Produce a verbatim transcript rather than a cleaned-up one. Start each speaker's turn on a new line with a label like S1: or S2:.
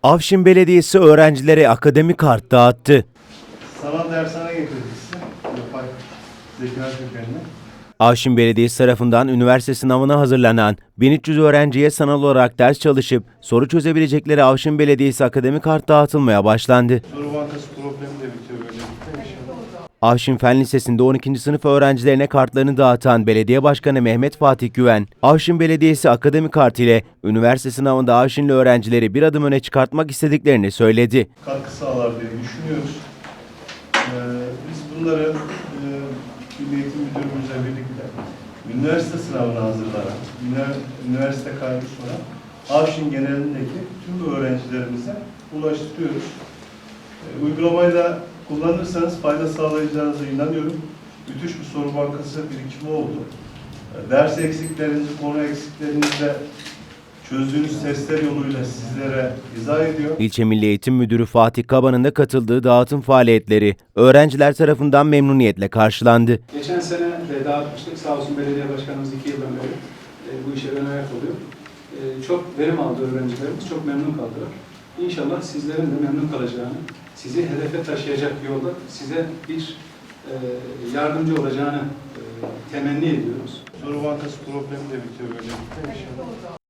S1: Afşin Belediyesi öğrencilere akademik kart dağıttı.
S2: Sanal dershane getirdik size. Yapay zeka kökenli.
S1: Afşin Belediyesi tarafından üniversite sınavına hazırlanan bin üç yüz öğrenciye sanal olarak ders çalışıp soru çözebilecekleri Afşin Belediyesi akademik kart dağıtılmaya başlandı.
S2: Soru bankası problemi de bitiyor böylelikle inşallah.
S1: Afşin Fen Lisesi'nde on ikinci sınıf öğrencilerine kartlarını dağıtan Belediye Başkanı Mehmet Fatih Güven, Afşin Belediyesi akademik kartı ile üniversite sınavında Afşinli öğrencileri bir adım öne çıkartmak istediklerini söyledi.
S2: Katkı sağlar diye düşünüyoruz. Ee, biz bunları e, Milli Eğitim Müdürümüzle birlikte üniversite sınavına hazırlanan, üniversite kaydı sonra Afşin genelindeki tüm öğrencilerimize ulaştırıyoruz. Ee, uygulamayı da kullanırsanız fayda sağlayacağınıza inanıyorum. Müthiş bir soru bankası birikimi oldu. Ders eksiklerinizi, konu eksiklerinizi de çözdüğünüz testler yoluyla sizlere izah ediyor.
S1: İlçe Milli Eğitim Müdürü Fatih Kaba'nın da katıldığı dağıtım faaliyetleri öğrenciler tarafından memnuniyetle karşılandı.
S3: Geçen sene de dağıtmıştık. Sağ olsun belediye başkanımız iki yıldan beri e, bu işe ön ayak oluyor. E, çok verim aldı öğrencilerimiz, çok memnun kaldılar. İnşallah sizlerin de memnun kalacağını, sizi hedefe taşıyacak yolda size bir e, yardımcı olacağını e, temenni ediyoruz.
S2: Soru bankası problemi de bitiyor böylelikle inşallah.